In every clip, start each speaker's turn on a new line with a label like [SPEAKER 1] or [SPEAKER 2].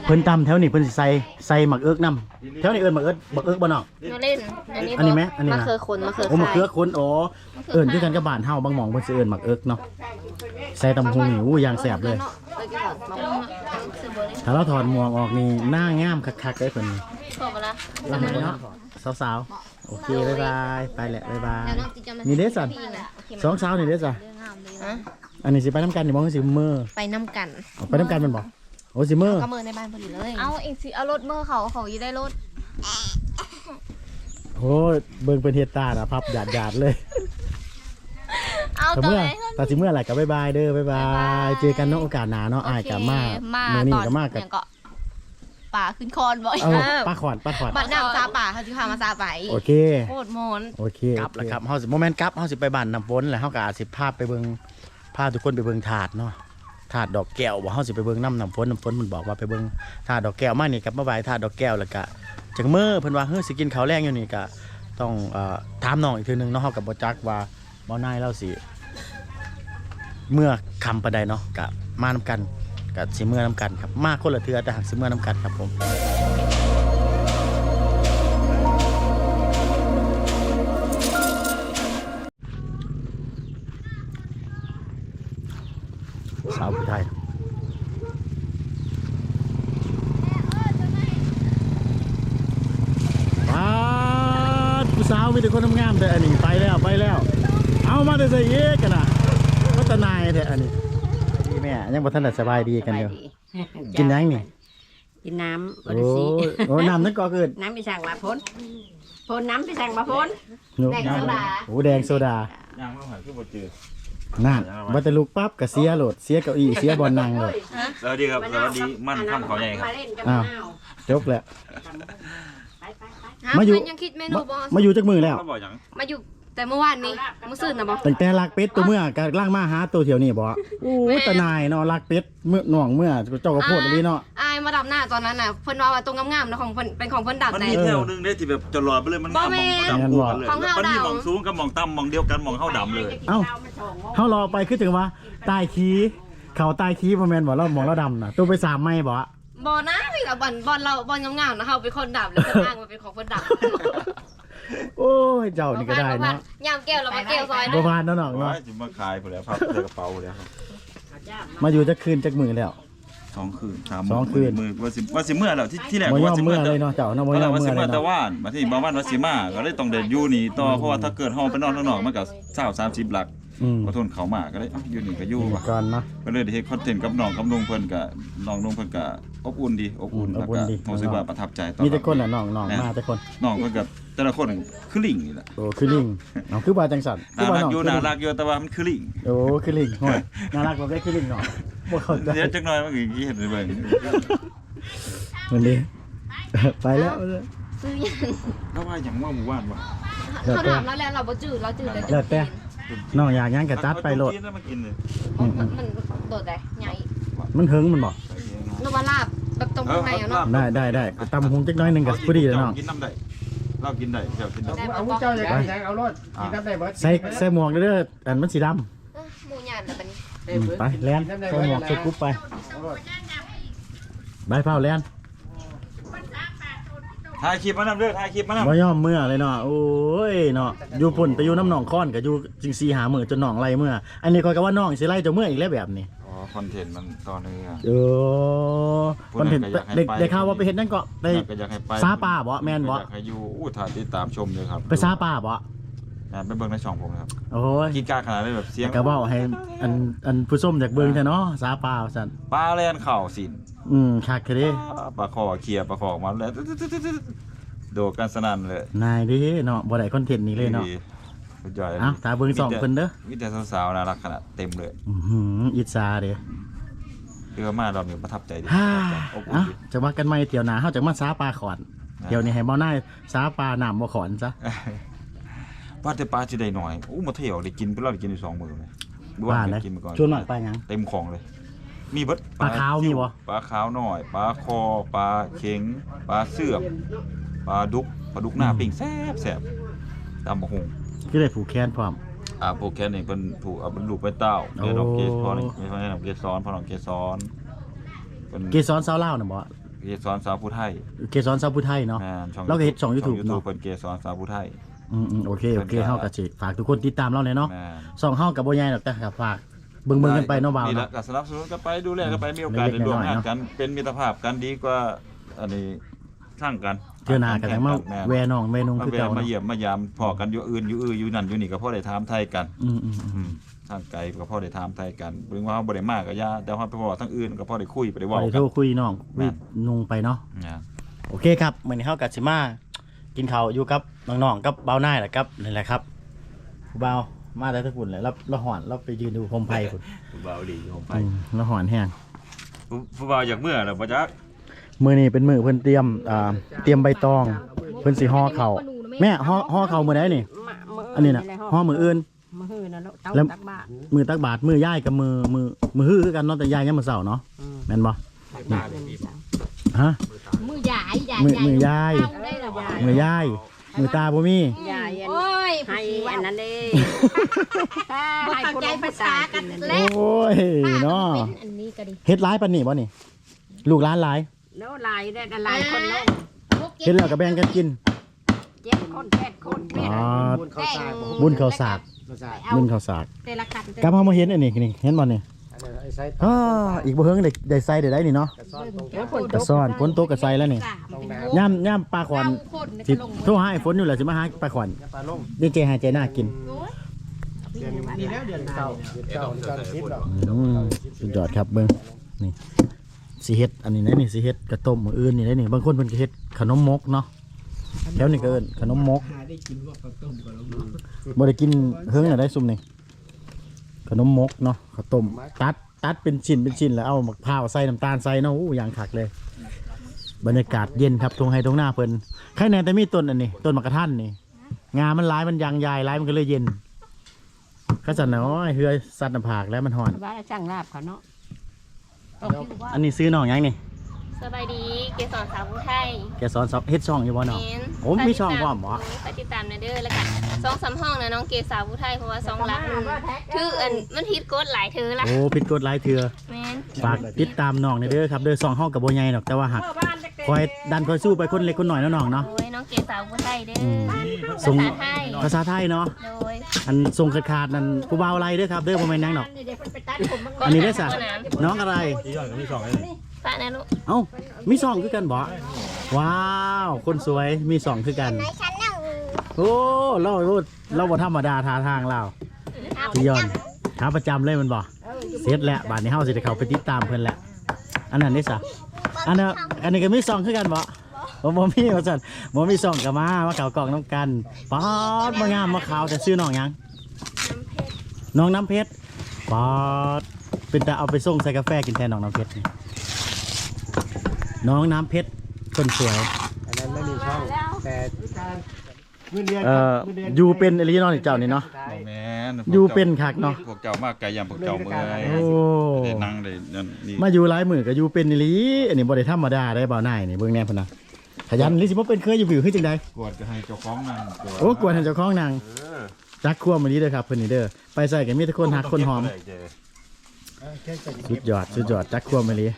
[SPEAKER 1] เพิ่นตำแถวนี้เพิ่นสิใส่หมักเอิกนำแถวนี้เอิ้นหมักเอิกบ่เนาะ
[SPEAKER 2] มาเล่น
[SPEAKER 1] อันนี้ไหมอันนี้
[SPEAKER 2] มะ
[SPEAKER 1] นะ
[SPEAKER 2] เขือคนมะเขือ
[SPEAKER 1] โอ้หมักเอิกคนอ๋อเอิ้นคือกันกับบ้านเฮาบางหม่องเพิ่นสิเอิ้นหมักเอิกเนาะใส่ตำหุงนี่อู้อย่างแซ่บเลยถ้าเราถอดหมวกออกนี่หน้างามคักๆเลยเพิ่น
[SPEAKER 2] ชอบปะล่ะ
[SPEAKER 1] ลำเนาะสาวๆโอเคบ๊ายบายไปแหละบ๊ายบายนี่เด้อสันสองสาวนี่เด้อจ้ะอันนี้สิไปน้ำกันนี่บ่คือสิมื้อ
[SPEAKER 2] ไปน้ำกัน
[SPEAKER 1] ไปน้ำกันแม่นบ่โอ้สิมื้อ
[SPEAKER 2] ก็มือในบ้านพอดีเลย
[SPEAKER 3] เอาเองสิเอารถเมื่อเขาอยู่ได้รถ
[SPEAKER 1] โอ้ยเบิ่งเป็นเฮ็ดตาน่ะพับหยาดๆเลย
[SPEAKER 3] เอา
[SPEAKER 1] แต่
[SPEAKER 3] ตัว
[SPEAKER 1] เมื่อ
[SPEAKER 3] ไหน
[SPEAKER 1] แต่สิเมื่อไหร่ก็บ๊ายบายเด้อบ๊ายบายเจอกันเนาะโอกาสหน้าเนาะอ้ายก็มา
[SPEAKER 3] มา
[SPEAKER 1] มื้อนี้
[SPEAKER 3] ตอน
[SPEAKER 1] ก็มากับ
[SPEAKER 3] เนี่ยก็ป่าขึ้นคอนบ่อย
[SPEAKER 1] เอ้าป้าขวัญ
[SPEAKER 3] บัดน้ำซาป่าเขาจะพามาซาไป
[SPEAKER 1] โอเค
[SPEAKER 3] โคตรโมน
[SPEAKER 1] โอเคกลับแล้วครับเฮาสิบ่แม่นกลับเฮาสิไปบ้านน้ำฝนแล้วเฮาก็อาจสิพาไปเบิ่งพาทุกคนไปเบิ่งถาดเนาะถาดดอกแก้วบ่เฮาสิไปเบิ่งน้ำฝนมันบอกว่าไปเบิ่งถาดดอกแก้วมานี่กับมาบายถาดดอกแก้วแล้วก็จังมื้อเพิ่นว่าเฮ้ยสิกินข้าวแรงอยู่นี่ก็ต้องถามน้องอีกทีนึงเนาะเฮาก็บ่จักว่าบ่นายเราสิเมื่อคำปานใดเนาะก็มานำกันก็สิเมื่อนำกันครับมาคนละเทื่อแต่หักสิเมื่อนำกันครับผมสาวผู้ไทยป้าดผู้สาวมีแต่คนงามแต่อันนี้ไปแล้วเอามาได้ใส่เอ๊กันนะพัฒนายแต่อันนี้พี่แม่ยังบ่ทันได้สบายดีกันอยู่กินยังนี่
[SPEAKER 4] กินน้ำบ
[SPEAKER 1] โอ้
[SPEAKER 4] ริสี
[SPEAKER 1] โอ้น้ำนั่นก็เกิด
[SPEAKER 4] น้ำไปสั่งมาพ้นน้ำไปสั่งมาพ้น
[SPEAKER 1] แดงโซดาโอ้แดงโซดา
[SPEAKER 5] ย่างมาหาคือบ่เจอ
[SPEAKER 1] นั่นบัตรลูกปั๊บกับเสียโหลดเสียเก้าอี้เสียบอลนั่งเลย
[SPEAKER 5] สวัสดีครับสวัสดีมั่นค่ำเขาใหญ่ครับ
[SPEAKER 4] มาเล่นกับ
[SPEAKER 1] อ้าว
[SPEAKER 4] มะนาว
[SPEAKER 1] จบแล้ว
[SPEAKER 4] ไป
[SPEAKER 1] มาอยู่
[SPEAKER 3] ยังคิดเมนูบอส
[SPEAKER 1] มาอยู่จักมือแล้ว
[SPEAKER 5] เขาบอกหยัง
[SPEAKER 3] มาอยู่แต่เมื่อวานนี้มื้อซื่นนะบอส
[SPEAKER 1] ตั้งแต่ลักเป็ดตัวเมื่อกะล่างมาหาตัวเถียวนี่บ่โอ้ยตาหนายเนาะลักเป็ดเมื่อหน่องเมื่อเจ้าก็โพดเลยเนาะ
[SPEAKER 3] อายมาดับหน้าตอนนั้นน่ะเพิ่นว่าตรงงามๆนะของเพิ่นเป็นของเพิ่นดับ
[SPEAKER 5] มัน
[SPEAKER 3] ใน
[SPEAKER 5] มีแถวหนึงได้ที่แบบจะหลอดไปเลยมัน
[SPEAKER 3] บ่
[SPEAKER 5] งาม
[SPEAKER 3] แม่
[SPEAKER 5] มอง
[SPEAKER 3] น
[SPEAKER 5] ดำคู่กันเลย
[SPEAKER 3] ของเฮา
[SPEAKER 5] มันมี
[SPEAKER 3] ดำ
[SPEAKER 5] มองสูงกับมองต่ำมองเดียวกันมองเข้าดำเลย
[SPEAKER 1] เอ้าเฮารอไปคือถึงว่าใต้ขี้เขาใต้ขี้บ่แม่นบ่เรามองเราดำน่ะตัวไป3ไม้บ่
[SPEAKER 3] บ่นะพี่กับบอลเราบอลงามๆนะเฮาเป็นคนดับแล้วก็อ้างว่าเป็นของเพิ่นดับ
[SPEAKER 1] โอ้ยเจ้านี่ก็ได้เนาะ
[SPEAKER 3] ยามแก้วเรามาแก้วซอย
[SPEAKER 1] บ่ผ่านเนาะน้อง
[SPEAKER 5] ว่า
[SPEAKER 1] เนาะ
[SPEAKER 5] จะมาขายไปแล้วพับใส่กระเป๋าแล้วครับ
[SPEAKER 1] มาอยู่จักคืนจักมือแล้ว
[SPEAKER 5] 2 คืน
[SPEAKER 1] สองคืน
[SPEAKER 5] มือว่าสิเมื่อแล้วที่แรก
[SPEAKER 1] บ่ยอ
[SPEAKER 5] ว่าม สิ
[SPEAKER 1] เมื่
[SPEAKER 5] เมื่
[SPEAKER 1] อ
[SPEAKER 5] อ
[SPEAKER 1] เลยเนาะเจ้าเนาะบ่
[SPEAKER 5] ตอน
[SPEAKER 1] ย
[SPEAKER 5] แร
[SPEAKER 1] อก ม
[SPEAKER 5] ว่า
[SPEAKER 1] เมื่
[SPEAKER 5] สิ
[SPEAKER 1] อเล
[SPEAKER 5] เมื่อย แต่
[SPEAKER 1] เนาะ
[SPEAKER 5] ว่านมาที่บ้านว่าสิมาก็เลยต้องเดินอยู่นี่ต่อเพราะว่าถ้าเกิดห้องไปนอนข้างนอกมันก็20-30หลัก ก็ทนเขามาก็เลยอยู่นี่ก็อยู่ว่ะ
[SPEAKER 1] ก่อนเนาะ
[SPEAKER 5] ก็เลยได้เฮ็ดคอนเทนต์กับน้องกับลุงเพิ่นก็น้องลุงเพิ่นก็อบอุ่นดีอบอุ่น
[SPEAKER 1] อบ
[SPEAKER 5] แล้ว
[SPEAKER 1] อุ่
[SPEAKER 5] ก็
[SPEAKER 1] นดี
[SPEAKER 5] รู้สึกว่าประทับใจต
[SPEAKER 1] มีแต่คนน่ะน้องมาแต่คน
[SPEAKER 5] น้องเพิ่นก็แต่ละคนคือลิงนี่แหละ
[SPEAKER 1] โอ้คือลิงน้องคือว่าจังสันคือ
[SPEAKER 5] น่า
[SPEAKER 1] ว่า
[SPEAKER 5] รัก
[SPEAKER 1] น้อง
[SPEAKER 5] อยู่
[SPEAKER 1] คือลิ
[SPEAKER 5] น่าง รักอยู่แต่ว่ามันคือลิง
[SPEAKER 1] โอ้คือลิงโหยน่ารักกว่าได้คือลิงเนาะบ่เข้าใจ
[SPEAKER 5] เดี๋ยวจักหน่อยมันก็สิเห็นได้เบิ่ง
[SPEAKER 1] มันดีไปแล้ว
[SPEAKER 3] ซื้อยัง
[SPEAKER 5] แล้วว่าหยังว่าหมู่บ้านวะ
[SPEAKER 1] แล้ว
[SPEAKER 3] เขา
[SPEAKER 1] แต่
[SPEAKER 3] ถามแล้วแหละเราบ่จืดเราจืด
[SPEAKER 1] แล้วแต่น้องอยากหยังก็จัดไปโลด
[SPEAKER 5] เอามากินเลย
[SPEAKER 3] มันโดดได้ใหญ่
[SPEAKER 1] มันถึงมันบ่
[SPEAKER 3] นวลาบแบบตรงข้างในอ่ะเนาะ
[SPEAKER 1] ได้ก็ตำหุงจักหน้อยหนึงก็พอดีแล้วน้อง
[SPEAKER 5] กินน้ำได้เรากินได้เจ้ากินได้
[SPEAKER 3] ได้
[SPEAKER 6] เอา
[SPEAKER 3] บ่
[SPEAKER 6] เจ้าอยากกินยังเอารถกินน้ำได้เบิด
[SPEAKER 1] ใส่หมวกเด้ออันมันสีดำ
[SPEAKER 3] หมูหยาดแล้วบัดนี้
[SPEAKER 1] ไปแลนใส่หมวกใส่กรุ๊ปไปใบเผาแลน
[SPEAKER 5] ถ่ายคลิปมานำเด้อถ่ายคลิปมานำ
[SPEAKER 1] บ่ยอมเมื่อเลยเนาะโอ้ยเนาะอยู่พุ่นไปอยู่น้ำหนองค้อนก็อยู่จิง4 5มื้อจนหนองไล่เมื่ออันนี้ข้อยก็ว่าน้องสิไล่เจ้าเมื่ออีกแล้วแบบนี้
[SPEAKER 5] อ๋อคอนเทนต์มันตอนนี้อ่ะ
[SPEAKER 1] เออคนเห็นได้ข่าวว่าไปเห็นนั่นก็ไป
[SPEAKER 5] ก็อยากให้ไป
[SPEAKER 1] ซาป่าบ่แม่นบ่
[SPEAKER 5] อยากให้อยู่ถ่ายติดตามชมเลยครับ
[SPEAKER 1] ไปซาป่าบ่
[SPEAKER 5] ไปเบิ่งในช่องผมนะครับ
[SPEAKER 1] โอ้ย
[SPEAKER 5] กีกาขนาดได้แบบเสียง
[SPEAKER 1] ก็เว้าให้อันผู้ส้มจากเบิ่งแท้เนาะซาป่าว่าซั่น
[SPEAKER 5] ปลาแล่นเข่าสิน
[SPEAKER 1] คักคือเด้
[SPEAKER 5] ปลาคอเคลียร์ปลาคอออกมาแล้วโดดกันสนั่นเลย
[SPEAKER 1] นายเด้เนาะบ่ได้คอนเทนต์นี้เลยเนาะ
[SPEAKER 5] สุดยอดเลย
[SPEAKER 1] เอ้าถ้าเบิ่งสองเพิ่นเด้อ
[SPEAKER 5] มีแต่สาวๆน่ารักขนาดเต็มเลย
[SPEAKER 1] อิจฉาเด้
[SPEAKER 5] เรือมาเราเนี่ยประทับใจดี
[SPEAKER 1] ฮ่า
[SPEAKER 5] อบอุ่น
[SPEAKER 1] เอ้า
[SPEAKER 5] ดี
[SPEAKER 1] จะว่ากันใหม่เที่ยวหน้าเฮาจะมาซาป่าขอนเที่ยวนี้ให้บ่นายซาป่าน้ำบ่ขอนซะ
[SPEAKER 5] ว่าแต่ปลาจะได้หน่อยมาเที่ยวได้กินก็เราได้กินอยู่2 มื้อเลย
[SPEAKER 1] ว่าเลย
[SPEAKER 5] กินมาก่อน
[SPEAKER 1] ชวนหน่อยไปหยัง
[SPEAKER 5] เต็มของเลย มีเบิด
[SPEAKER 1] ปลาขาวมีบ่
[SPEAKER 5] ปลาขาวหน่อยปลาคอปลาเข็งปลาเสื่อมปลาดุกหน้าปิ้งแซ่บตามบะฮง
[SPEAKER 1] คือได้ผูกแขนพร้อม
[SPEAKER 5] โปรแกรมนี่เพิ่นถูกเอาเป็นลูกไปเต้าเดี๋ยวน้องเกสพอนี่ไม่ใช่น้องเกสรพอน้องเกสรเพิ่น
[SPEAKER 1] เกสรสาวลาวน่ะบ่
[SPEAKER 5] เกสรสาวผู้ไทย
[SPEAKER 1] เกสรสาวผู้ไทยเนาะ
[SPEAKER 5] แม่น
[SPEAKER 1] เราก็เฮ็ดช่อง YouTube
[SPEAKER 5] เนาะ
[SPEAKER 1] เนาะ
[SPEAKER 5] เพิ่นเกสรสาวผู้ไทย
[SPEAKER 1] โอเคเฮาก็สิฝากทุกคนติดตามเราเลยเนาะ
[SPEAKER 5] แม่น
[SPEAKER 1] ช่องเฮาก็บ่ใหญ่ดอกแต่ก็ฝากเบิ่งๆกันไปเนาะบ่าว
[SPEAKER 5] นี่แหละ
[SPEAKER 1] เนาะ
[SPEAKER 5] ก็สนับสนุนกันไปดูแลกันไปมีโอกาส
[SPEAKER 1] เล็
[SPEAKER 5] ได้
[SPEAKER 1] กๆ
[SPEAKER 5] ร่วม
[SPEAKER 1] น้อยๆ
[SPEAKER 5] งาน
[SPEAKER 1] เนาะ
[SPEAKER 5] กันเป็นมิตรภาพกันดีกว่าอันนี้สร้างกัน
[SPEAKER 1] เทื่อหน้าก็จังมา
[SPEAKER 5] ม่น
[SPEAKER 1] แวน้องแวนุ่ง
[SPEAKER 5] มา
[SPEAKER 1] คือ
[SPEAKER 5] แวะ
[SPEAKER 1] เก่า
[SPEAKER 5] มา
[SPEAKER 1] เนาะ
[SPEAKER 5] เยี่ยมมายามพอกันอยู่อื่นอยู่นั่นอยู่นี่ก็พอได้ถามไทยกัน
[SPEAKER 1] อืม
[SPEAKER 5] ทางไกลก็พอได้ถามไทยกันเพิ่งว่าเฮาบ่ได้มากก็ย่าแต่ว่าไปพอทั้งอื่นก็พอได้คุยไปได้
[SPEAKER 1] ๆ
[SPEAKER 5] เว้า
[SPEAKER 1] ไป
[SPEAKER 5] กั
[SPEAKER 1] โท
[SPEAKER 5] น
[SPEAKER 1] รคุยน้องคุยนุ่งไปเนาะ
[SPEAKER 5] นะ
[SPEAKER 1] โอเคครับมื้อนี้เฮาก็สิมากินข้าวอยู่กับน้องๆกับบ่าวนายแหละครับนี่แหละครับผู้บ่าวมาแต่ตะกุ่นแหละเราหอนเราไปยืนดูโคมไฟพุ่น
[SPEAKER 5] ผู้บ่าวดีผมไป
[SPEAKER 1] เราหอนแห้ง
[SPEAKER 5] ผู้บ่าวอยากเมื่อแล้วบ่จัก
[SPEAKER 1] มื้อนี้เป็นมื้อเพิ่นเตรียมใบตองเพิ่นสิห่อข้าวแม่ห่อข้าวมื้อใดนี่อันนี้น่ะห่อมื้ออื่น
[SPEAKER 4] มือหื้อนะลูกเต้า
[SPEAKER 1] แล้ว
[SPEAKER 4] ตักบาท
[SPEAKER 1] มื้อตักบาตรมื้อย่ายกับมื้อฮื้อคือกันเนาะแต่ย่ายยังมื้อเช้าเนาะแม่นบ่ฮะ
[SPEAKER 3] มือใหญ่ใหญ่
[SPEAKER 1] มือยาย
[SPEAKER 3] ได้หรอวะ
[SPEAKER 1] มื้อยายมื้อตาบ่มี
[SPEAKER 4] ยายอัน
[SPEAKER 3] โอ้ย
[SPEAKER 4] ให้อันนั้นเด้
[SPEAKER 3] บ่เข้าใจภาษากันแล้
[SPEAKER 1] โอ้ยเนาะ
[SPEAKER 3] เป็นอันนี้ก็ดี
[SPEAKER 1] เฮ็ดหลายปานนี้บ่นี่ลูกหลานหลาย
[SPEAKER 4] แล้วลายได้ลายคนลง
[SPEAKER 1] เฮ็ดแล้วก็แบ่งกันกิน
[SPEAKER 4] 7 คน8 คน
[SPEAKER 1] อ๋อ
[SPEAKER 6] บุญเข้าสาก
[SPEAKER 1] บุญข้าวสาก
[SPEAKER 6] เข้าสาก
[SPEAKER 1] บุญข้าวสาก
[SPEAKER 3] แต่ละคัน
[SPEAKER 1] กลับเฮามาเห็นอันนี้นี่เห็นบ่นี่
[SPEAKER 6] อันนั้นไอ้ไซส์
[SPEAKER 1] อ้ออีกบ่เฮิงได้ใส่ได้นี่เนาะ
[SPEAKER 6] กระซ่อนตรง
[SPEAKER 1] กระซ่อนฝนตกก็ใส่แล้วนี่ย่ำปลาขวัญสิโทรหาไอ้ฝนอยู่แหละสิมาหาปลาขวัญ
[SPEAKER 6] ปลาล่ม
[SPEAKER 1] นี่เจหายใจหน้ากิน
[SPEAKER 6] เดือนนี้แล้วเดือนเก่า10ดอก
[SPEAKER 1] สุดยอดครับเบิ่งนี่สิเฮ็ดอันนี้นะนี่สิเฮ็ดกระต้มมื้ออื่นนี่นะนี่บางคนเพิ่นก็เฮ็ดขนมมกเนาะแถวนี้ก็เอิ้นขนมมกบ่ได้กินเฮิงน่ะได้ซุ่มนี่ขนมมกเนาะข้าวต้มตัดเป็นชิ้นแล้วเอามะพร้าวใส่น้ำตาลใส่เนาะอู้อย่างคักเลย บรรยากาศเย็นครับทงไฮทงหน้าเพิ่นข้างในแต่มีต้นอันนี้ต้นมะกระทันนี่งามันหลายมันยางใหญ่หลายมันก็เลยเย็นก็จะน้อยเฮือยสัตว์น้ำผากแล้วมันห่อน
[SPEAKER 4] ว่าช่างลาบเขาเนาะ
[SPEAKER 1] อันนี้ซื้อหน่องยังนี่
[SPEAKER 3] สบายดีเกสรสาวผู้ไทย
[SPEAKER 1] แกสอนเฮ็ดช่องอยู่บ่เนาะ
[SPEAKER 3] เน้น
[SPEAKER 1] โอ้มีช่องพร้อมเหรอ
[SPEAKER 3] ไปติดตามในเด้อแล้วกัน2-3ห้องนะน้องเกสาวผู้ไทยเพราะว่า2ลักถืออันมันฮิตกดหลายเธอละ
[SPEAKER 1] โอ้ผิดกฎหลายเทื่อ
[SPEAKER 3] แม่น
[SPEAKER 1] ฝากติดตามน้องในเด้อครับเด้อ2ห้องกับบ่ใหญ่ดอกแต่ว่าหักคอยดันคอยสู้ไปคนเล็กคนน้อยเนาะน้องเนาะ
[SPEAKER 3] โดยน้องเกสาวผู้ไทยเด้อ
[SPEAKER 1] ส่ง
[SPEAKER 3] ภาษาไทย
[SPEAKER 1] ภาษาไทยเนาะ
[SPEAKER 3] โดย
[SPEAKER 1] อันส่งขาดๆนั่นผู้บ่าวอะไรเด้อครับเด้อบ่แม่นหยังดอกอันนี้ได้อซะน้องอะไร
[SPEAKER 3] ปะนะลูก
[SPEAKER 1] เอ้ามี2คือกันบ่ว้าวคนสวยมี2คือกันโอ้เราบ่ธรรมดาท่าทางเราพี่ยอนขาประจำเลยมันบ่เสร็จแล้วบาดนี้เฮาสิได้เข้าไปติดตามเพิ่นแล้วอันนั้นได้ซะอันนี้ก็มี2คือกันบ่บ่มีว่าซั่นบ่มี2ก็มาเข้ากล่องน้ำกันป๊อดมางามมาขาวแต่ชื่อน้องหยังน้องน้ำเพชรป๊อดเป็นตาเอาไปส่งใส่กาแฟกินแทนน้องน้ำเพชรนี่น้องน้ำเพชรคนสวย
[SPEAKER 6] อันนั้นไม่มีช่องแต่เงินเดือน
[SPEAKER 1] อยู่เป็นอริจินอลเจ้านี่เนาะ
[SPEAKER 5] แม่น
[SPEAKER 1] อยู่เป็นคักเนาะ
[SPEAKER 5] พวกเจ้ามากไกลยามพวกเจ้าเมื่อย
[SPEAKER 1] โอ้
[SPEAKER 5] ได้นั่งได้นั่นนี่
[SPEAKER 1] มาอยู่หลายมือก็อยู่เป็นอีหลีอันนี้บ่ได้ธรรมดาได้บ่าวนายนี่เบิ่งแน่พุ่นน่ะขยันลิสิบ่เป็นเคยอยู่วิวคือจังได๋
[SPEAKER 5] กวดก็ให้เจ้าของนั่ง
[SPEAKER 1] โอ้กวนให้เจ้าของนาง จักควมมื้อนี้เด้อครับเพิ่นนี่เด้อไปใส่ก็มีแต่คนฮักคนหอมสุดยอดจักควมมื้อนี้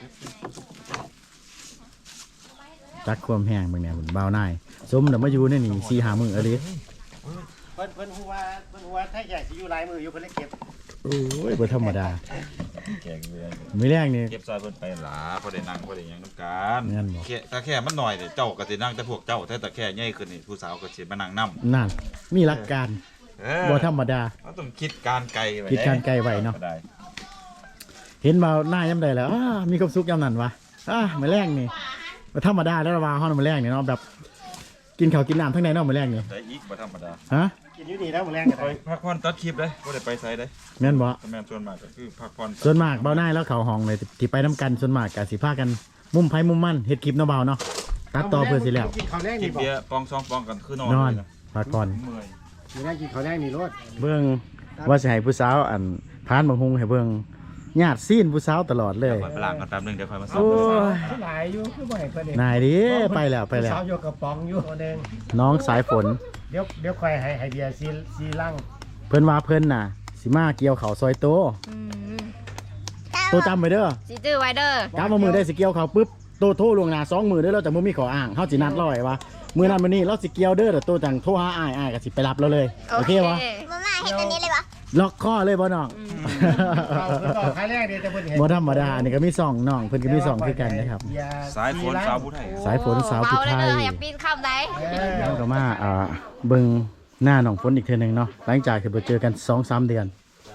[SPEAKER 1] จักควมแห้งเบิ่งแน่พุ่นบ่าวนายสมน่ะมาอยู่ในนี่4-5มื้ออะลิ
[SPEAKER 6] เพิ่นฮู้ว่าถ้าอยากสิอยู่หลายมืออยู่เพิ่นเลยเก็บ
[SPEAKER 1] โอ้ยบ่ธรรมดา
[SPEAKER 5] แกงเรือ
[SPEAKER 1] มื้อแรกนี่
[SPEAKER 5] เก็บซอยเพิ่นไปหลาพอได้นั่งพอได้หยังนำกัน
[SPEAKER 1] งั้นบ่
[SPEAKER 5] ถ้าแค่มันหน่อยเนี่ยเจ้าก็สินั่งแต่พวกเจ้าแต่แค่ใหญ่ขึ้นนี่ผู้สาวก็สิมานั่งนำ
[SPEAKER 1] นั่นมีหลักการบ่ธรรมดา
[SPEAKER 5] เราต้องคิดการไกลไว้
[SPEAKER 1] คิดการไกลไว้เนาะ
[SPEAKER 5] ได้
[SPEAKER 1] เห็นมาหน้ายามใดแล้วมีความสุขยามนั้นวะมื้อแรกนี่บ่ธรรมดาแล้วว่าเฮามื้อแรกนี่เนาะแบบกินข้าวกินน้ำทั้งในเนาะมื้อแรกนี่
[SPEAKER 5] ได้อีกบ่ธรรมดา
[SPEAKER 1] ฮะ
[SPEAKER 6] กินอยู่นี่แล้วมื้อแรงกัน
[SPEAKER 5] ไปพักผ่อนตัดคลิปเลยบ่ได้ไปไสได้
[SPEAKER 1] แม่นบ่
[SPEAKER 5] แต่แม่นส่วนมากก็คือพักผ่อน
[SPEAKER 1] ส่วนมากเบาหน้ายแล้วเขาห้องเลยที่ไปน้ำกันส่วนมากก็สิพากันมุมไผมุมมันเฮ็ดคลิปเนาะเบาเนาะตัดต่อเพื่อสิแล้ว
[SPEAKER 6] กินข้าวแรง
[SPEAKER 5] กิ
[SPEAKER 6] นี่
[SPEAKER 5] น
[SPEAKER 6] บ่
[SPEAKER 5] เบียร์ปองซองปองกันคือนอน
[SPEAKER 1] นอน
[SPEAKER 5] เลยนะ
[SPEAKER 1] พักก่อน
[SPEAKER 5] เมื่อย
[SPEAKER 6] มื้อแรงกินข้าวแรงนี่โลด
[SPEAKER 1] เบิ่งว่าสิให้ผู้สาวอันพานบังฮุงให้เบิ่งญาติซีนผู้สาวตลอดเลย
[SPEAKER 5] ก่อนไปล้างกันแป๊บนึงเดี๋ยวค่อยมาสอ
[SPEAKER 1] โอ้
[SPEAKER 5] บ
[SPEAKER 1] ย
[SPEAKER 6] หลายอยู่คือบ่ให้เพิ่นเอง
[SPEAKER 1] นายดิไปแล้วไปแล้ว
[SPEAKER 6] สาวอยู่กระป๋องอยู่ตัวนึง
[SPEAKER 1] น้องสายฝน
[SPEAKER 6] เดี๋ยวค่อยให้เบียร์ซีลัง
[SPEAKER 1] เพิ่นว่าเพิ่นน่ะสิมาเกี่ยวเขาวซอยโต
[SPEAKER 3] อืม
[SPEAKER 1] โตจำไว้เด้อ
[SPEAKER 3] สิจื้อไว้เด้อก
[SPEAKER 1] ลับมามือได้สิเกี่ยวเขาวปุ๊บโตโทรลวงหน้า2มื้อเด้อเราจะบ่มีขออ้างเฮาสินัดเราไว้ว่ามื้อนั้นมื้อนี้เราสิเกี่ยวเด้อแต่โตจังโทรหาอ้ายก็สิไปรับเราเลยโอเคบ่
[SPEAKER 2] มาม่าเห็นอันนี้เลยวะ
[SPEAKER 1] ล็อกคอเลยบ่น้อง
[SPEAKER 6] ต่อครั้งแรกเดียวจะเพิ่นเห็น
[SPEAKER 1] บ่ธรรมดานี่ก็มี2น้องเพิ่นก็มี2คือกันนะครับ
[SPEAKER 5] สายฝนสาวผู้ไทย
[SPEAKER 1] สายฝนสาวผู้ไทย
[SPEAKER 3] อย่าปีนข้ามได้
[SPEAKER 1] เราก็มาเบิ่งหน้าน้องฝนอีกเทื่อนึงเนาะหลังจากที่บ่เจอกัน 2-3 เดือน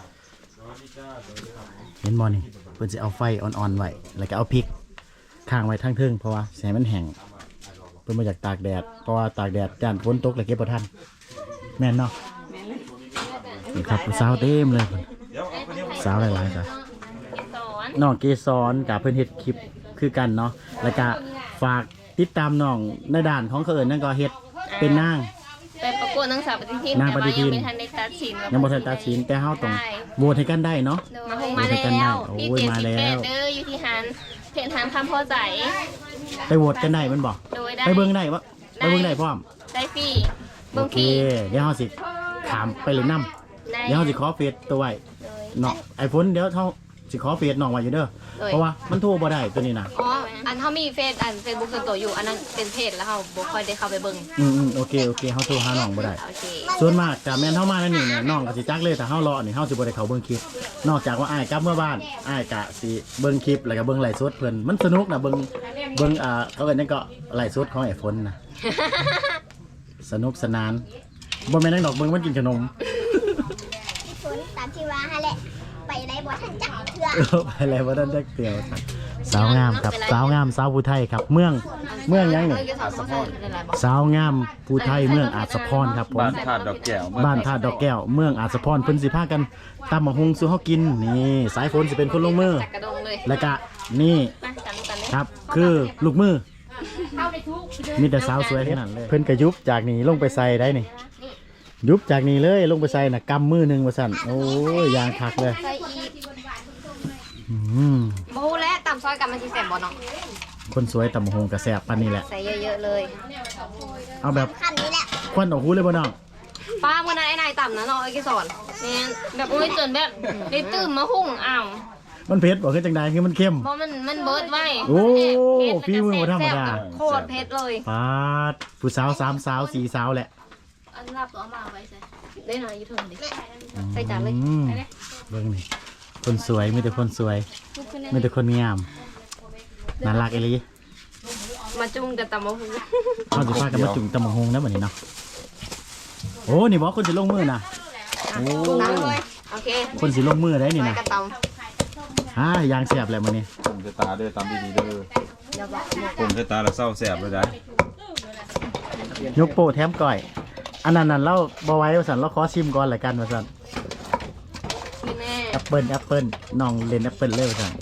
[SPEAKER 1] เห็นบ่นี่เพิ่นสิเอาไฟอ่อนๆไว้แล้วก็เอาพริกข้างไว้ทางเทิงเพราะว่าแสงมันแห้งเพิ่นบ่อยากตากแดดเพราะว่าตากแดดย่านฝนตกแล้วเก็บบ่ทันแม่นเนาะนี่ครับผู้สาวเต็มเลยเพิ่น
[SPEAKER 5] เดี๋ยวเอาคนนี้
[SPEAKER 1] สาวหลายๆจ้ะ
[SPEAKER 3] สอน
[SPEAKER 1] น้องเกสรกับเพื่อนเฮ็ดคลิปคือกันเนาะแล้วก็ฝากติดตามน้องในด่านของเขาเอิญนั่นก็เฮ็ดเป็นนาง
[SPEAKER 3] ไปประกวดนางสาวปฏิทิน
[SPEAKER 1] นาง
[SPEAKER 3] แต่
[SPEAKER 1] ปฏิ
[SPEAKER 3] ว่า
[SPEAKER 1] ทิ
[SPEAKER 3] ยัง
[SPEAKER 1] น
[SPEAKER 3] ไม่ทันได้ตัดสิน
[SPEAKER 1] ยังบ่ทันตัดสินแต่เฮาต้องโหวตให้กันได้เนาะ
[SPEAKER 3] มาคงมาแล้
[SPEAKER 1] โอ้ยกันได้
[SPEAKER 3] ว
[SPEAKER 1] โอ้
[SPEAKER 3] ที่
[SPEAKER 1] ย
[SPEAKER 3] เจ็ด
[SPEAKER 1] มา
[SPEAKER 3] สิบ
[SPEAKER 1] แล้ว
[SPEAKER 3] แปดเด้ออยู่ที่หันเพจหันคำพอใจ
[SPEAKER 1] ไปโหวตกันได้มันบ่
[SPEAKER 3] โดยได้
[SPEAKER 1] ไปเบิ่งได้บ่ไปเบิ่งได้พร้อม
[SPEAKER 3] ได้ฟรี
[SPEAKER 1] โอ
[SPEAKER 3] เบิ่ง
[SPEAKER 1] เค
[SPEAKER 3] ฟรี
[SPEAKER 1] เดี๋ยวเฮาสิถามไปเลยนํ
[SPEAKER 3] ได้
[SPEAKER 1] เดี๋ยวเฮาสิขอเฟซตัวไว้
[SPEAKER 3] โดย
[SPEAKER 1] เนาะไอ้ฝนเดี๋ยวเฮาสิขอเฟซน้องไว้อยู่เด้อ
[SPEAKER 3] โดย
[SPEAKER 1] เพราะว่ามันโทรบ่ได้ตัวนี้น่ะ
[SPEAKER 7] อ๋อ อันเขามีเฟซเฟซบุ๊กส่วนตัวอยู่ อันนั้นเป็นเพจแล้วเขาบ่ค่อยได้เข้าไปเบิ่ง
[SPEAKER 1] โอเคเฮาโทรหาน้องบ่ได้
[SPEAKER 7] โอเค
[SPEAKER 1] ส่วนมากกับแม่นเฮามาแล้วนี่เนี่ยน้องก็สิจักเลยแต่เฮารอนี่เฮาสิบ่ได้เข้าเบิ่งคลิปนอกจากว่าอ้ายกลับเมื่อบ้านอ้ายก็สิเบิ่งคลิปแล้วก็เบิ่งไลฟ์สดเพิ่นมันสนุกนะเบิ่งเขาเอิ้นหยังก็ไลฟ์สดของไอ้ฝนนะ สนุกสนานบ่แม่นนังดอกเบิ่งมันกินขนม
[SPEAKER 2] ฝนตามที่ว่าฮะแหละไปไหนบ่ทันจักเถื่อ
[SPEAKER 1] ไปแล้วบ่ทันจักเตียวสาวงามครับสาวงามสาวผู้ไทยครับ เมืองหยังนี่
[SPEAKER 7] อาสะพอนนั่นแหละบอก
[SPEAKER 1] สาวงามผู้ไทยเมืองอาจสะพรครับผม
[SPEAKER 5] บ้านธาตุดอกแก้ว
[SPEAKER 1] บ้านท่าดอกแก้วเมืองอาจสะพรเพิ่นสิพากันตำบักฮุงสู่เฮากินนี่สายฝนสิเป็นคนลงมือ
[SPEAKER 7] จักกระดงเลย
[SPEAKER 1] แล้วก็นี่
[SPEAKER 3] มากันเลย
[SPEAKER 1] ครับคือลูกมือมีแต่สาวสวยขนาดเลยเพิ่นก็ยุบจากนี่ลงไปใส่ได้นี่ยุบจากนี่เลยลงไปใส่น่ะกำมือหนึงว่าซั่นโอ้ยยางคักเลย
[SPEAKER 7] ใส่อีก
[SPEAKER 1] อืม
[SPEAKER 7] บ่ฮู้แล้วตำซอยกันมันสิแซ่บบ่เนาะ
[SPEAKER 1] คนสวยตำบักฮุงก็แซ่บปานนี้แหละ
[SPEAKER 7] ใส่เยอะๆเลย
[SPEAKER 1] เอาแบบ
[SPEAKER 2] ขั้นนี้แหละ
[SPEAKER 1] ควันออกหูเลยบ่น้อง
[SPEAKER 7] ป้ามื้อนั้นไอ้นายตำนะเนาะไอ้กิสอน
[SPEAKER 3] แม่นแบบโอ้ยจนแบบได้ตื่นมาหุ่งอ้าว
[SPEAKER 1] มันเผ็ดบ่คือจังไดคือมันเค็ม
[SPEAKER 3] เพราะมันเบิดไว้
[SPEAKER 1] โอ้
[SPEAKER 3] เผ็ด
[SPEAKER 1] ฝีมือบ่ธรรมดา
[SPEAKER 7] โคตรเผ็ดเลย
[SPEAKER 1] ปาดผู้สาว3สาว4สาวแหละ
[SPEAKER 3] อันรับตัวมาไว้ใส่
[SPEAKER 7] ได้หน่อยอยู่เทิงดิ ใส่จานเลย
[SPEAKER 1] อืมเบิ่งนี่คนสวยมีแต่คนสวยมีแต่คนงามน่ารักอีหลี
[SPEAKER 7] มาจุ่มกับตำมะฮู
[SPEAKER 1] เขาสิพากันมาจุ่มตำบักฮงนะบัดนี้เนาะโอ้นี่บอกคนสิลงมือนะโอ้
[SPEAKER 7] น้ำเลยโอเค
[SPEAKER 1] คนสิลงมือได้นี่
[SPEAKER 7] ไป
[SPEAKER 1] นะ
[SPEAKER 7] กระต
[SPEAKER 1] ฮ่ายางเสียบแหละมื้อนี้
[SPEAKER 5] ผมจะตาเด้อตามดีๆเด้อผมจะตาแล้วเศร้าแสบเลยได้
[SPEAKER 1] ยกโปะแถมก้อย อันนั้นเราบ่ไหว้ว่าซั่นเราขอชิมก่อนละกันว่าซั่น
[SPEAKER 3] พี่แม่
[SPEAKER 1] แอปเปิ้ลน้องเล่นแอปเปิ้ลเลยว่าซั่น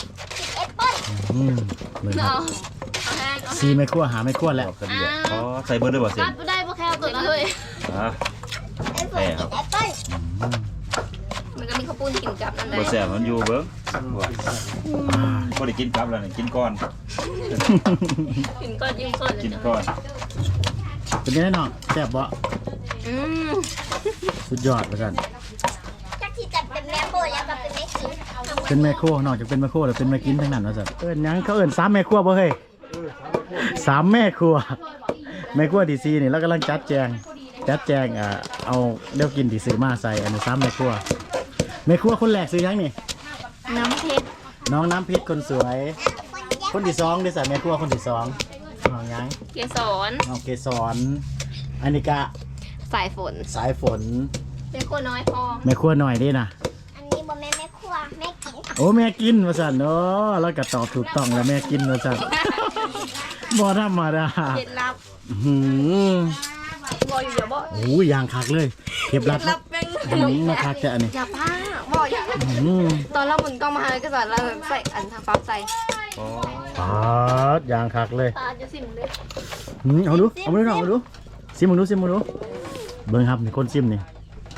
[SPEAKER 1] เบิ่งค
[SPEAKER 3] เอา
[SPEAKER 1] รับ
[SPEAKER 3] เอาแห้งเอา
[SPEAKER 1] ซีไม่ครัวหาไม่ครัวแล้ว
[SPEAKER 5] กันดีอ๋อใส่เบิร์ดด้วยบ่เสีย
[SPEAKER 3] ตัดไม่ได้พวกแค่ตัวนั้นเลย
[SPEAKER 5] ฮะ
[SPEAKER 2] ไอ้ฝนกินแอปเปิ้ล
[SPEAKER 3] มันก็มีข้าวปุ้นกินกับนั่นแห
[SPEAKER 5] บ่
[SPEAKER 3] ละ
[SPEAKER 5] แสบมันอยู่เบิ้งบ่ได้กินกลับแล้วนี่กินก่อน
[SPEAKER 3] กินก้อนยิ่งก้อนเลย
[SPEAKER 5] กิน
[SPEAKER 3] จ้ะ
[SPEAKER 5] ก่อน
[SPEAKER 1] เป็นยังไงน้องแซ่บบ่
[SPEAKER 3] อืม
[SPEAKER 1] สุดยอดว่าซั่น
[SPEAKER 2] จักที่จะเป็นแม่โบแล้วก็เป็นแม่กิน
[SPEAKER 1] เป็นแม่ครัวนอกจากเป็นแม่ครัวแล้วเป็นแม่กินทั้งนั้นว่าซั่นเอิ้นหยังเขาเอิ้น3แม่ครัวบ่เฮ้ย3แม่ครัวแม่ครัวที่4นี่เรากำลังจัดแจงเอาเดี๋ยวกินที่ซื้อมาใส่อันนี้3แม่ครัวคนแรกซื้อหยังนี่
[SPEAKER 3] น้ำเพชร
[SPEAKER 1] น้องน้ำเพชรคนสวย คนที่2ได้ใส่แม่ครัวคนที่2น้องหยัง
[SPEAKER 3] เกสร
[SPEAKER 1] น้องเกสรอันนี้ก็
[SPEAKER 7] ำสายฝน
[SPEAKER 1] สายฝน
[SPEAKER 3] เป็นคนน้อยพอ
[SPEAKER 1] แม่ครัวหน่อยเด้นะ
[SPEAKER 2] อันนี้บ่แม่แม่ครัวแม่กิน
[SPEAKER 1] โอ้แม่กินว่าซั่นเนาะแล้วก็ตอบถูกต้องแล้วแม่กินว่าซั่น บ่ธรรมดา
[SPEAKER 3] เคล็ดลับ
[SPEAKER 1] อื้อหือ
[SPEAKER 3] บ่อยู่เดี๋ยวบ่
[SPEAKER 1] โอ้ยยางคักเลยเก็บรัด
[SPEAKER 3] รับเป็น
[SPEAKER 1] มาคักแต่อันนี้
[SPEAKER 7] อย่าป้าบอกอย่า
[SPEAKER 1] อื้อหือ
[SPEAKER 7] ตอนเราหมุนกล้องมาให้ก็สอนเราใส่อันทางปั๊บใส่
[SPEAKER 1] ปาดยางคักเลย
[SPEAKER 3] ตาจะสิมเลย
[SPEAKER 1] เอาดูเอาดูน้องเอาดูซิมมึงดูเบิ่งครับนี่คนซิมนี่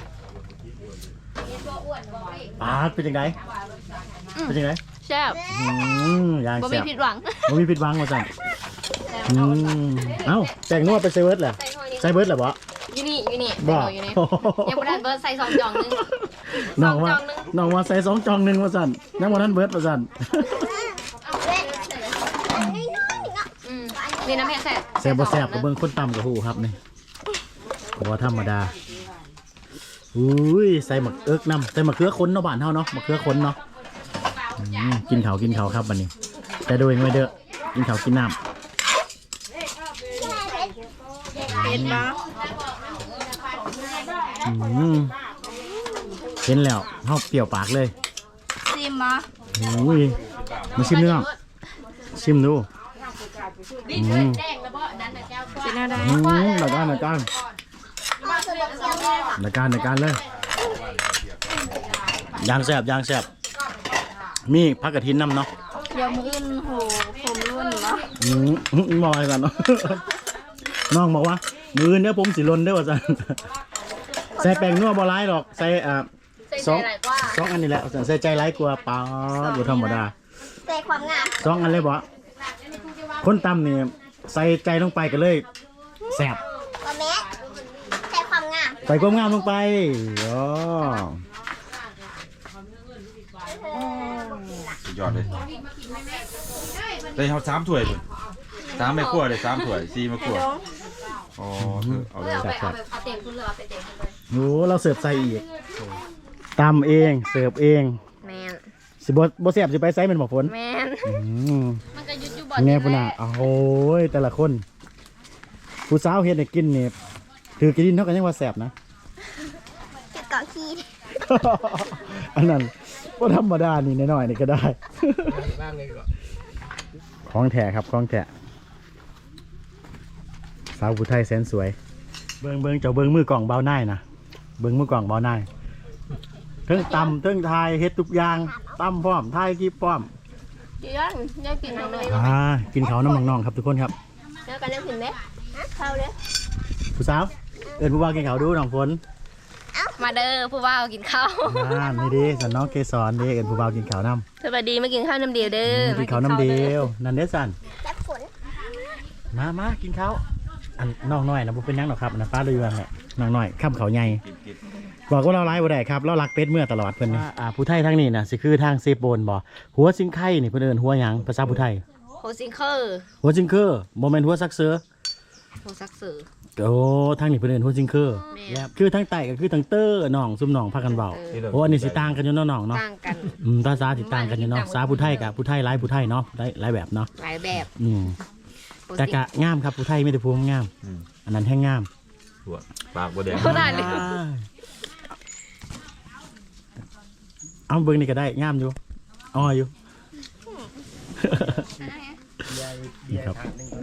[SPEAKER 1] ปาดเป็นจังไดเป็นจังได
[SPEAKER 3] แซ่บ
[SPEAKER 1] ยาง
[SPEAKER 3] บ่
[SPEAKER 1] แซ่
[SPEAKER 3] มี
[SPEAKER 1] บ
[SPEAKER 3] ผิดหวัง
[SPEAKER 1] บ่มีผิดหวังว่าซั่นเอ้าแตงนัวไปใส่เบิร์ดแหละใส่เบิร์ดแหละบ่
[SPEAKER 7] อยู่นี่อยู่นี่
[SPEAKER 1] บ่
[SPEAKER 7] อยู่นี่ยังบ่ได้เบิร์ดใส่2จองนึง
[SPEAKER 1] น้องว่า
[SPEAKER 7] สองจองหนึ่ง
[SPEAKER 1] น้องว่าใส่2 จอง 1ว่าซั่นยังบ่ทันเบิร์ดว่าซั่น
[SPEAKER 2] เอาเว้ย
[SPEAKER 7] นี่น้ำแม่แซ่บ
[SPEAKER 1] แซ่บบ่แซ่บก็เบิ่งคนตำกับหูครับนี่บ่ธรรมดาอุ้ยใส่หมักเอิกน้ำใส่มะเขือค้นเนาะบ้านเฮาเนาะมะเขือค้นเนาะกินข้าวครับบัดนี้แต่โดยไม่เด้อกินข้าวกินน้ำ
[SPEAKER 2] เห็นปะ
[SPEAKER 1] เห็นแล้วเฮาเปรี้ยวปากเลย
[SPEAKER 2] ซิมมา
[SPEAKER 1] อุ้ยมาชิมเนื้อชิมดูหนักการเลยยางแซ่บมีผักกระถินน้ำเนาะ
[SPEAKER 2] เดี๋ยวมืออื่นโหผมรุ่นเนาะ
[SPEAKER 1] มองอะไรกันเนาะ น้องบอกว่ามือเนี้ยผมสิลนได้อว่าจันใส่แป้งนัวบ่ร้ายหรอกใส่สองอันนี้แหละใส่ใจร้ายกว่าป้าบ่ธรรมดา
[SPEAKER 2] ใส่ความงาม
[SPEAKER 1] สองอันเลยบ่คนตำนี่ใส่ใจลงไปก็เลยแซ่บ
[SPEAKER 2] ว่าแม่ใส่ความงาม
[SPEAKER 1] ใส่ความงามลงไปอ๋อ
[SPEAKER 5] สุดยอดเลยได้เอา3 ถ้วยเลย3 แม่ครัวเลย3 ถ้วย4 แม่ครัวอ๋อเอาเลย
[SPEAKER 7] เอาเต็มคุณเลยเอาไปเต็มคุณเลย
[SPEAKER 1] โอ้เราเสิร์ฟใส่อีกตำเองเสิร์ฟเอง
[SPEAKER 7] แมน
[SPEAKER 1] สิบ่แซ่บสิไปไซส์เป็นหมอกฝน
[SPEAKER 7] แมน
[SPEAKER 3] มันก็ยุดอยู่บ่
[SPEAKER 1] ไงพุ่นน่ะโอ้ยแต่ละคนผู้สาวเฮ็ดให้กินนี่ถือกินเท่ากันยังว่าแซ่บนะ
[SPEAKER 2] ติดเกาะขี้
[SPEAKER 1] อันนั้นก็ธรรมดานี่น้อยๆนี่ก็ได้ ของแท้ครับของแท้สาวผู้ไทยแสนสวยเบิ่งเจ้าเบิ่งมือกล่องเบาหน้ายนะเบิ่งมือกล่องเบาหน้ายเทิงตำเทิงทายเฮ็ดทุกอย่างตำพร้อมทายคลิปพร้อม
[SPEAKER 3] เดี๋ยวยังกินทางเลย
[SPEAKER 1] กินข้าวน้ำน้องๆครับทุกคนครับ
[SPEAKER 3] แล้วกันยังกินไหมเข้าเลย
[SPEAKER 1] ผู้สาวเอิ้นผู้บ่าวกินข้าวดูน้องฝน
[SPEAKER 3] มาเด้อผู้ว่ากินข้าว
[SPEAKER 1] นี่ดิสันน้องเกสรเด้เอิ้นผู้บ่าวกินข้าวน้ำ
[SPEAKER 3] สวัสดีมากินข้าวน้ำเดียวเด้อ
[SPEAKER 1] กินข้าวน้ำเดียวนั่นเด้สัน
[SPEAKER 2] และฝน
[SPEAKER 1] มากินข้าวอันน้องน้อยนะบ่เป็นหยังหรอกครับอันนะป้าเลยว่าแหละน้องน้อยข้ามเขาใหญ่บอกว่าเราไล่บ่ได้ครับเรารักเป็ดเมื่อตลอดเพิ่นนี่ผู้ไทยทางนี้น่ะสิคือทางเซโปนบ่หัวซิงไข่นี่เพิ่นเอิ้นหัวหยังภาษาผู้ไทย
[SPEAKER 3] โฮซิงเคอร์
[SPEAKER 1] หัวซิงเคอร์บ่แม่นหัวซักเสือ
[SPEAKER 3] โฮซักเสือ
[SPEAKER 1] โอ้ทางนี้เพิ่นเอิ้นหัวซิงเคอร์
[SPEAKER 3] แม่
[SPEAKER 1] แล้วคือทางใต้ก็คือทางเตอร์น้องซุมน้องพากันเว้าโอ้อันนี้สิต่างกันอยู่เนาะน้องเนาะ
[SPEAKER 3] ต่างกัน
[SPEAKER 1] ภาษาสิต่างกันอยู่เนาะภาษาผู้ไทยกับผู้ไทยหลายผู้ไทยเนาะหลายแบบเนาะ
[SPEAKER 3] หลายแบบ
[SPEAKER 1] แต่กะงามครับผู้ไทยไม่ได้พูดงามอันนั้นแห้งงาม
[SPEAKER 5] ถั่วปากบ่แดง
[SPEAKER 3] เท่านั้นเลย
[SPEAKER 1] เอาเบิ้งนี่ก็ได้งามอยู่อ้ออยู่นี่ครับ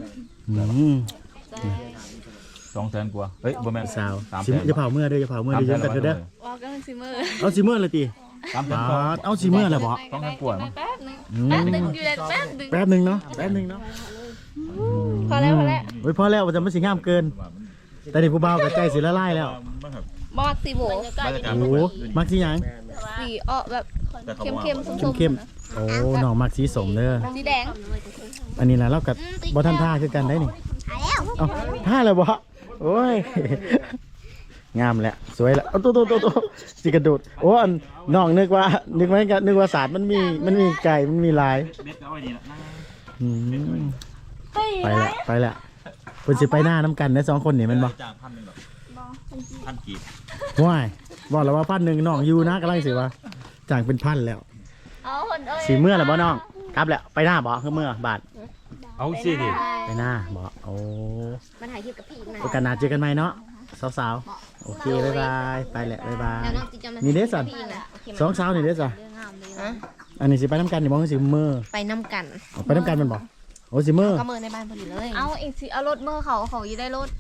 [SPEAKER 5] 200,000 กว่าเฮ้ยบ่แม่น
[SPEAKER 1] สาว
[SPEAKER 5] 300,000
[SPEAKER 1] จะเผาเมื่อเด้อจะเผาเมื่อเด้อยืมกันเด้อ
[SPEAKER 7] ว่ากันซิเมอร์
[SPEAKER 1] เอาซีเมื่อเลยตี
[SPEAKER 5] 300,000 กว่า
[SPEAKER 1] เอาซีเมื่อเลยบ่
[SPEAKER 5] 200,000 กว่ามั้ง
[SPEAKER 7] แป๊บนึงอยู่ได้แป๊บนึง
[SPEAKER 1] แป๊บนึงเนาะพอแล้วพอแล้วจะไม่สิงามเกินแต่นี่ผู้บ่าวกับใจสิละลายแล้ว
[SPEAKER 7] บอสสีโบ
[SPEAKER 1] โอ้มักสีหยัง
[SPEAKER 7] สีออกแบบเข้มๆส้ม
[SPEAKER 1] เข้มๆโอ้น้องมักสีสมเด้อ
[SPEAKER 7] ๆสีแดง
[SPEAKER 1] อันนี้นะเรากับบ่ทันท่าคือกันได้นี่เอาท่าเลยบ่โอ้ยงามแหละสวยแล้วเอาตัวสิกระโดดโอ้อันน้องนึกว่าศาสตร์มันมีไก่มันมีลายไปละเพิ่นสิไปหน้าน้ำกันได้2คนนี่แม่นบ่
[SPEAKER 5] จ้าง1,000 นึงดอก1,000 กีบ
[SPEAKER 1] ว้ายบอกแล้วว่า1,000น้องอยู่นะกำลังสิว่าจ้างเป็น1,000แล้ว
[SPEAKER 2] เอาคนเอ้ย
[SPEAKER 1] สิเมื่อแล้วบ่น้องกลับแล้วไปหน้าบ่คือเมื่อบาท
[SPEAKER 5] เอาสิดิ
[SPEAKER 1] ไปหน้าบ่โอ้
[SPEAKER 7] มาถ่ายคลิปกับพี่นะ
[SPEAKER 1] โอกาสหน้าเจอกันใหม่เนาะสาวๆโอเคบ๊ายบายไปแหละบ๊ายบาย
[SPEAKER 7] แล้วน้องจิจะมา
[SPEAKER 1] นี่เด้สัน
[SPEAKER 7] พี่นะ
[SPEAKER 1] สองสาวนี่เด้จ้ะ
[SPEAKER 7] ฮะ
[SPEAKER 1] อันนี้สิไปน้ำกันนี่มองสิเมื่อ
[SPEAKER 7] ไปน้ำกัน
[SPEAKER 1] เอาไปน้ำกันแมันบ่โอ้สิเมื่อ
[SPEAKER 7] ก็เมินในบ้านพอดีเลย
[SPEAKER 2] เอาอีกสิเอารถเมื่อเขาอยู่ได้รถ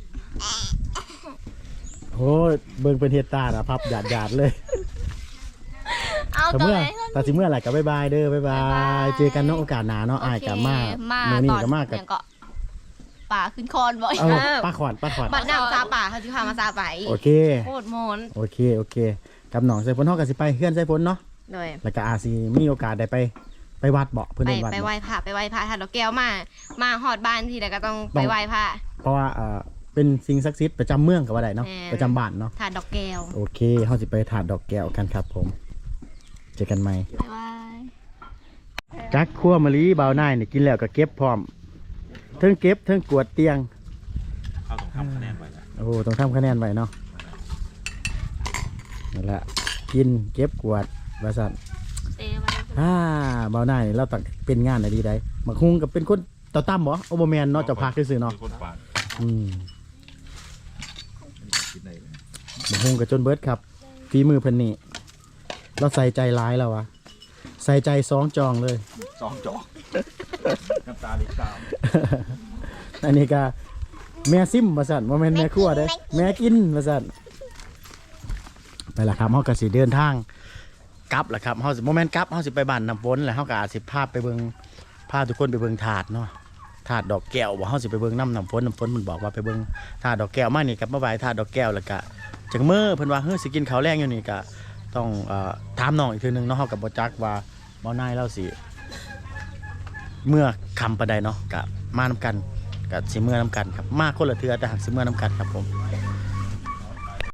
[SPEAKER 1] โอ้ยเบิ่งเป็นเฮ็ดตาน่ะพับหยาดเลย
[SPEAKER 2] เอา
[SPEAKER 1] แต่
[SPEAKER 2] ตัว
[SPEAKER 1] เมื่อ
[SPEAKER 2] ไหน
[SPEAKER 1] แต่สิเมื่อไหร่ก็บ๊ายบายเด้อบ๊ายบายเจอกันเนาะโอกาสหน้าเนาะอ้ายกับมา
[SPEAKER 7] มา
[SPEAKER 1] มื้อนี้
[SPEAKER 7] ตอน
[SPEAKER 1] ก็มากับ
[SPEAKER 7] เนี่ยก็ป่าขึ้นคอนบ่อย
[SPEAKER 1] เอาป้าขวัญ
[SPEAKER 7] บัดน้ำซาป่าเขาจะพามาซาไป
[SPEAKER 1] โอเค
[SPEAKER 7] โคตรโมน
[SPEAKER 1] โอเคกับน้องใส่ฝนเฮาก็สิไปเฮือนใส่ฝนเนาะ
[SPEAKER 7] โดย
[SPEAKER 1] แล้วก็อาจสิมีโอกาสได้ไปวัดเบาะเพิ่น
[SPEAKER 7] ไป
[SPEAKER 1] เอิ้นวัด
[SPEAKER 7] ไป
[SPEAKER 1] เนาะ
[SPEAKER 7] ไหว้พระไปไหว้พระถ้าดอกแก้วมาหอดบ้านทีแล้วก็ต้องไปไหว้พระ
[SPEAKER 1] เพราะว่าเป็นสิ่งศักดิ์สิทธิ์ประจำเมืองก็ว่าได้เนาะ
[SPEAKER 7] แม่
[SPEAKER 1] ประจำบ้านเนาะ
[SPEAKER 7] ถ้าดอกแก้ว
[SPEAKER 1] โอเคเฮาสิไปถาดดอกแก้วกันครับผมเจอกันใหม่
[SPEAKER 7] บ๊ายบาย
[SPEAKER 1] จักคั่วมะลิบ่าวนายนี่กินแล้วก็เก็บพร้อมเทิงเก็บเทิงกวดเตียง
[SPEAKER 5] เขาต้องทำคะแนนไว้แล้ว
[SPEAKER 1] โอ้ต้องทำคะแนนไว้เนาะนั่นแหละกินเก็บกวาดว่าซั่น
[SPEAKER 3] เซไว้
[SPEAKER 1] เบาหน้านี่เราต้องเป็นงานอะไรดีได้มักฮุงกับเป็นคนเต่าตั้มบ่โอโบแมนเนาะเจ้าพักซื่อๆเนาะ
[SPEAKER 5] คนปาด
[SPEAKER 1] อืม
[SPEAKER 5] กินได้เลย
[SPEAKER 1] มักฮุงกับจนเบิร์ดครับฝีมือเพิ่นนี่เราใส่ใจร้ายแล้ววะใส่ใจสองจองเลย
[SPEAKER 5] ซองจอกน้ำตาลิตาม
[SPEAKER 1] อันนี้ก็แม่ซิมมาสั่นว่าแม่นแม่ครัวเด้แม่กินมาสั่นไปละครับเฮาก็สิเดินทางกลับละครับเฮาสิบ่แม่นกลับเฮาสิไปบ้านน้ำฝนแล้วเฮาก็อาจสิพาไปเบิ่งพาทุกคนไปเบิ่งถาดเนาะถาดดอกแก้วบ่เฮาสิไปเบิ่งน้ำฝนมันบอกว่าไปเบิ่งถาดดอกแก้วมานี่กับมาบายถาดดอกแก้วแล้วก็จังมื้อเพิ่นว่าเฮ้ยสิกินข้าวแรงอยู่นี่ก็ต้องถามน้องอีกทีนึงเนาะเฮาก็บ่จักว่าบ่นายเราสิเมื่อคำปานใดเนาะก็มานำกันกับสิเมื่อน้ำกันครับมาคนละเทือแต่หักสิเมื่อน้ำกันครับผม